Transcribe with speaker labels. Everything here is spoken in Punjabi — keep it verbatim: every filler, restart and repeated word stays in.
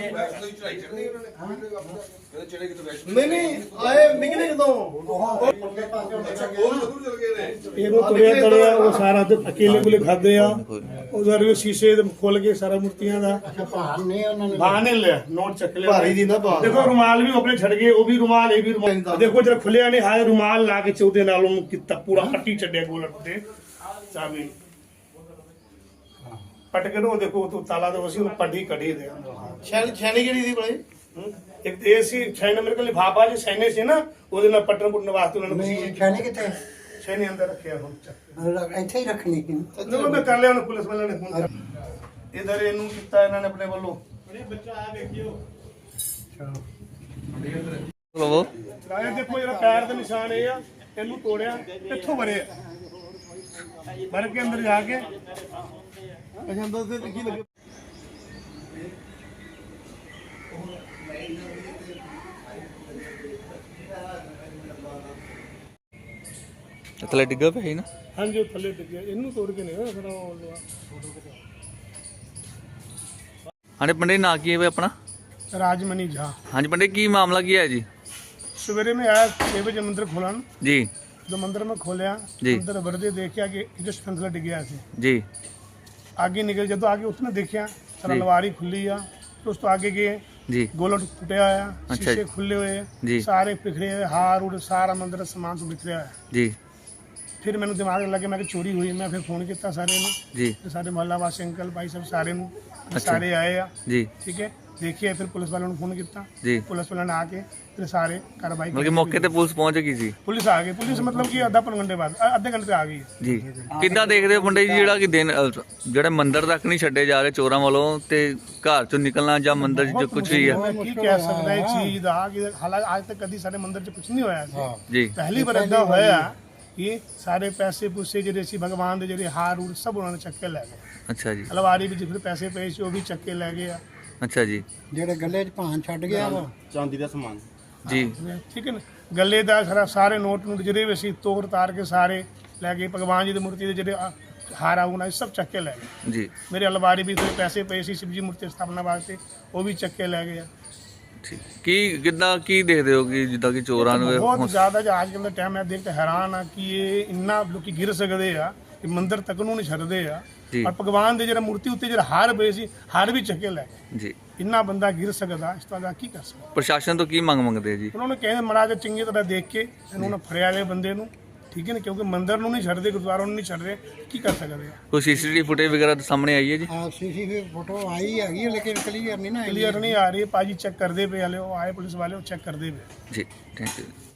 Speaker 1: नहीं नहीं आए निकले कदों ਇਹਨੂੰ ਤੁਰਿਆ ਤੜਿਆ ਉਹ ਸਾਰਾ ਤੇ ਅਕੇਲੇ ਕੋਲੇ ਖਾਦੇ ਆ ਉਧਰ ਵੀ ਸ਼ੀਸ਼ੇ ਦੇ ਖੋਲ ਕੇ ਸਾਰਾ ਮੂਰਤੀਆਂ ਦਾ
Speaker 2: ਭਾਰ ਨੇ ਉਹਨਾਂ ਨੇ
Speaker 1: ਬਾਹਰ ਨੇ ਲਿਆ ਨੋਟ ਚੱਕ ਲਿਆ
Speaker 2: ਭਾਰੀ ਦੀ ਨਾ ਬਾਤ
Speaker 1: ਦੇਖੋ ਰੁਮਾਲ ਵੀ ਆਪਣੇ ਛੱਡ ਗਏ ਉਹ ਵੀ ਰੁਮਾਲ ਇਹ ਵੀ ਰੁਮਾਲ ਦੇਖੋ ਜਦ ਖੁੱਲਿਆ ਨਹੀਂ ਹਾਏ ਰੁਮਾਲ ਲਾ ਕੇ ਚੌਦੇ ਨਾਲ ਉਹਨੂੰ ਕੀਤਾ ਪੂਰਾ ਪੱਟੀ ਛੱਡਿਆ ਗੋਲਟ ਤੇ ਚਾਬੀ ਪਟ ਕੇ ਉਹ ਦੇਖੋ ਉਹ ਤਾਲਾ ਦੇ ਅਸੀਂ ਉਹ ਪੱਟੀ ਕੱਢੀ ਦੇ
Speaker 2: ਛੈਣੀ ਛੈਣੀ ਕਿਹੜੀ ਦੀ ਬੜੇ
Speaker 1: ਇੱਕ ਇਹ ਸੀ ਛੇ ਨੰਬਰ ਕੋਲ ਲਿਫਾਫਾ ਜੀ ਸੈਨੇ ਸੀ ਨਾ ਉਹਦੇ ਨਾਲ ਪੱਟਣ ਪੁੱਟਣ ਵਾਸਤੇ ਉਹਨਾਂ ਨੇ
Speaker 2: ਨਹੀਂ ਛੈਣੀ ਕਿੱਥੇ
Speaker 1: ਸੈਨੇ ਅੰਦਰ ਰੱਖਿਆ ਹੁਣ ਚੱਕ
Speaker 2: ਇੱਥੇ ਹੀ ਰੱਖਣੀ ਕਿ
Speaker 1: ਜਦੋਂ ਮੈਂ ਕਰ ਲਿਆ ਉਹਨੇ ਪੁਲਿਸ ਵਾਲਿਆਂ ਨੇ ਫੋਨ ਕਰ ਇਧਰ ਇਹਨੂੰ ਕੀਤਾ ਇਹਨਾਂ ਨੇ ਆਪਣੇ ਵੱਲੋਂ ਬੱਚਾ ਆ ਵੇਖਿਓ
Speaker 3: ਲਵੋ
Speaker 1: ਰਾਇਆ ਦੇਖੋ ਜਿਹੜਾ ਪੈਰ ਦੇ ਨਿਸ਼ਾਨ ਇਹ ਆ ਇਹਨੂੰ ਤੋੜਿਆ ਇੱਥੋਂ ਵਰੇ ਵਰ ਕੇ ਅੰਦਰ ਜਾ ਕੇ ਅੱਛਾ ਅੰਦਰ ਤੇ ਕੀ ਲੱਗੇ
Speaker 3: ਥੱਲੇ ਡਿੱਗਾ ਪਿਆ ਸੀ ਨਾ
Speaker 1: ਹਾਂਜੀ ਉਹ ਥੱਲੇ ਡਿੱਗਿਆ ਇਹਨੂੰ ਤੋੜ ਕੇ ਨਹੀਂ ਫਿਰ ਉਹ ਲਵਾ
Speaker 3: ਹਾਂਜੀ ਪੰਡਿਤ ਨਾਂ ਕੀ ਹੈ ਆਪਣਾ
Speaker 1: राजमणि झा
Speaker 3: ਹਾਂਜੀ ਪੰਡਿਤ ਕੀ ਮਾਮਲਾ ਕੀ ਹੈ ਜੀ
Speaker 1: सवेरे में आया छह बजे मंदिर खोला
Speaker 3: जी
Speaker 1: जो मंदिर में खोलिया अंदर वर्दे देखा कि जस्ट फंसला डिग गया
Speaker 3: जी
Speaker 1: आगे निकल जब आगे उसने देखा सारा लवारी खुली आ तो उस तो आगे गए
Speaker 3: जी
Speaker 1: गोलट टूटा आया
Speaker 3: अच्छा
Speaker 1: शीशे खुले हुए
Speaker 3: जी
Speaker 1: सारे बिखरे हुए हार उड़ सारा मंदिर सामान सब बिखरे है
Speaker 3: जी
Speaker 1: फिर मैंने दिमाग लगे मैं चोरी हुई मैं फिर फोन किया सारे ने
Speaker 3: जी
Speaker 1: सारे मोहल्ला वासी अंकल भाई सब सारे सारे आए आ
Speaker 3: जी
Speaker 1: ठीक है देखिए फिर पुलिस वालों ने फोन किया
Speaker 3: जी
Speaker 1: पुलिस वालों ने आके फिर सारे कार्रवाई
Speaker 3: मतलब मौके ਤੇ ਪੁਲਿਸ ਪਹੁੰਚ ਗਈ ਸੀ
Speaker 1: पुलिस आ गई पुलिस मतलब कि आधा पौन घंटे बाद आधे घंटे आ गई
Speaker 3: ਜੀ ਕਿੱਦਾਂ ਦੇਖਦੇ ਹੋ ਪੰਡਿਤ ਜੀ ਜਿਹੜਾ ਕਿ ਦਿਨ ਅਹ, ਜਿਹੜੇ ਮੰਦਿਰ ਤੱਕ ਨਹੀਂ ਛੱਡੇ ਜਾ ਰਹੇ ਚੋਰਾਂ ਵੱਲੋਂ ਤੇ ਘਰ ਚੋਂ ਨਿਕਲਣਾ ਜਾਂ ਮੰਦਿਰ 'ਚ ਜੋ ਕੁਝ ਵੀ ਹੈ
Speaker 1: मैं की कह सकता है चीज दा कि हालांकि आज तक कभी सारे मंदिर च कुछ नहीं होया सी
Speaker 3: ਜੀ
Speaker 1: पहली बार इदा होया कि सारे पैसे पूसे ਜਿਹੜੇ ਸੀ ਭਗਵਾਨ ਦੇ ਜਿਹੜੇ ਹਾਰ ਹੂਰ ਸਭ ਉਹਨਾਂ ਨੇ ਚੱਕ ਕੇ ਲੈ ਗਏ
Speaker 3: ਅੱਛਾ ਜੀ
Speaker 1: ਅਲਵਾਰੀ ਵਿੱਚ ਫਿਰ ਪੈਸੇ ਪਏ ਸੀ ਉਹ ਵੀ ਚੱਕ ਕੇ ਲੈ ਗਏ ਆ
Speaker 3: ਅੱਛਾ ਜੀ
Speaker 2: ਜਿਹੜੇ ਗੱਲੇ 'ਚ ਭਾਨ ਛੱਡ ਗਿਆ ਵਾ
Speaker 1: ਚਾਂਦੀ ਦਾ ਸਮਾਨ
Speaker 3: ਜੀ
Speaker 1: ਠੀਕ ਹੈ ਨਾ ਗੱਲੇ ਦਾ ਸਾਰਾ ਸਾਰੇ ਨੋਟ ਨੂੰ ਜਿਹੜੇ ਵੀ ਅਸੀਂ ਤੋੜ ਤਾਰ ਕੇ ਸਾਰੇ ਲੈ ਗਏ ਭਗਵਾਨ ਜੀ ਦੀ ਮੂਰਤੀ ਦੇ ਜਿਹੜੇ ਹਾਰਾ ਉਹਨਾਂ ਸਭ ਚੱਕ ਕੇ ਲੈ ਗਏ
Speaker 3: ਜੀ
Speaker 1: ਮੇਰੇ ਅਲਵਾਰੀ ਵੀ ਥੋੜੇ ਪੈਸੇ ਪਏ ਸੀ ਸ਼ਿਵ ਜੀ ਮੂਰਤੀ ਸਥਾਪਨਾ ਵਾਸਤੇ ਉਹ ਵੀ ਚੱਕ ਕੇ ਲੈ ਗਏ ਆ
Speaker 3: ਠੀਕ ਕੀ ਕਿੱਦਾਂ ਕੀ ਦੇਖਦੇ ਹੋ ਕਿ ਜਿੱਦਾਂ ਕਿ ਚੋਰਾਂ ਨੂੰ
Speaker 1: ਬਹੁਤ ਜ਼ਿਆਦਾ ਜੋ ਅੱਜ ਕੱਲ੍ਹ ਦਾ ਟਾਈਮ ਹੈ ਦੇਖ ਕੇ ਹੈਰਾਨ ਆ ਕਿ ਇਹ ਇੰਨਾ ਲੋਕੀ ਗਿਰ ਸਕਦੇ ਆ ਕਿ ਮੰਦਿਰ ਤੱਕ ਨੂੰ ਨਹੀਂ ਛੱਡਦੇ ਆ ਔਰ ਭਗਵਾਨ ਦੇ ਜਿਹੜਾ ਮੂਰਤੀ ਉੱਤੇ ਜਿਹੜਾ ਹਾਰ ਪਏ ਸੀ ਹਾਰ ਵੀ ਚੱਕੇ ਲੈ ਗਏ
Speaker 3: ਜੀ
Speaker 1: ਇੰਨਾ ਬੰਦਾ ਗਿਰ ਸਕਦਾ ਇਸ ਤਰ੍ਹਾਂ ਦਾ ਕੀ ਕਰ ਸਕਦਾ
Speaker 3: ਪ੍ਰਸ਼ਾਸਨ ਤੋਂ ਕੀ ਮੰਗ ਮੰਗਦੇ ਜੀ
Speaker 1: ਉਹਨਾਂ ਨੇ ਕਹਿੰਦੇ ਮਹਾਰਾਜ ਚੰਗੀ ਤਰ੍ਹਾਂ ਦੇਖ ਕੇ ਇਹਨਾਂ ਨੂੰ ਫੜਿਆ ਵਾਲੇ ਬੰਦੇ ਨੂੰ ਠੀਕ ਹੈ ਨਾ ਕਿਉਂਕਿ ਮੰਦਿਰ ਨੂੰ ਨਹੀਂ ਛੱਡਦੇ ਗੁਰਦੁਆਰਾ ਨੂੰ ਨਹੀਂ ਛੱਡਦੇ ਕੀ ਕਰ ਸਕਦੇ ਆ
Speaker 3: ਕੋਈ ਸੀਸੀਟੀਵੀ ਫੁਟੇਜ ਵਗੈਰਾ ਤਾਂ ਸਾਹਮਣੇ ਆਈ ਹੈ ਜੀ
Speaker 2: ਆ ਸੀਸੀਟੀਵੀ ਫੋਟੋ ਆਈ ਹੈਗੀ ਲੇਕਿਨ ਕਲੀਅਰ ਨਹੀਂ ਨਾ
Speaker 1: ਕਲੀਅਰ ਨਹੀਂ ਆ ਰਹੀ ਭਾਜੀ ਚੈੱਕ ਕਰਦੇ ਪਏ ਹਲੇ ਉਹ ਆਏ ਪੁਲਿਸ ਵਾਲੇ ਉਹ ਚੈੱਕ ਕਰਦੇ ਪਏ
Speaker 3: ਜੀ ਥੈਂਕ ਯੂ